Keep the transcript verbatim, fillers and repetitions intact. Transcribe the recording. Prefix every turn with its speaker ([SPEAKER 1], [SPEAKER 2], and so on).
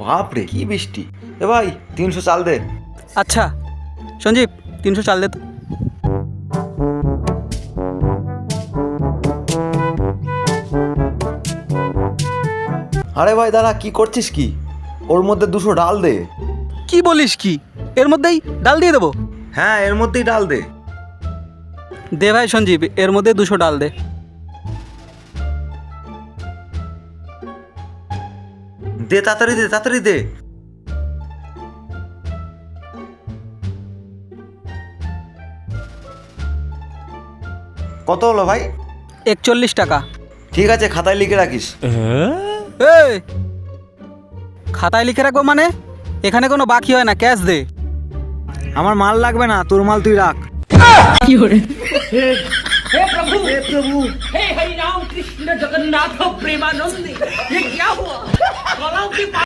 [SPEAKER 1] বাপরে কি বৃষ্টি। এ ভাই তিনশো চাল দে।
[SPEAKER 2] আচ্ছা সঞ্জীব, তিনশো চাল দে তো।
[SPEAKER 1] আরে ভাই দাঁড়া, কি করছিস কি? ওর মধ্যে দুশো ডাল দে।
[SPEAKER 2] কি বলিস কি? এর মধ্যেই ডাল দিয়ে দেবো?
[SPEAKER 1] হ্যাঁ এর মধ্যেই ডাল দে।
[SPEAKER 2] দে ভাই সঞ্জীব, এর মধ্যে দুশো ডাল দে।
[SPEAKER 1] দে তাড়াতাড়ি দে, তাড়াতাড়ি দে। কত হলো ভাই?
[SPEAKER 2] একচল্লিশ টাকা।
[SPEAKER 1] ঠিক আছে, খাতায় লিখে রাখিস।
[SPEAKER 2] এই খাতায় লিখে রাখবো মানে? এখানে কোনো বাকি হয় না, ক্যাশ দে।
[SPEAKER 1] আমার মাল লাগবে না, তোর মাল তুই রাখ।
[SPEAKER 3] हे प्रभु हे प्रभु हे हरि राम कृष्ण जगन्नाथ प्रेमानंद, ये क्या हुआ?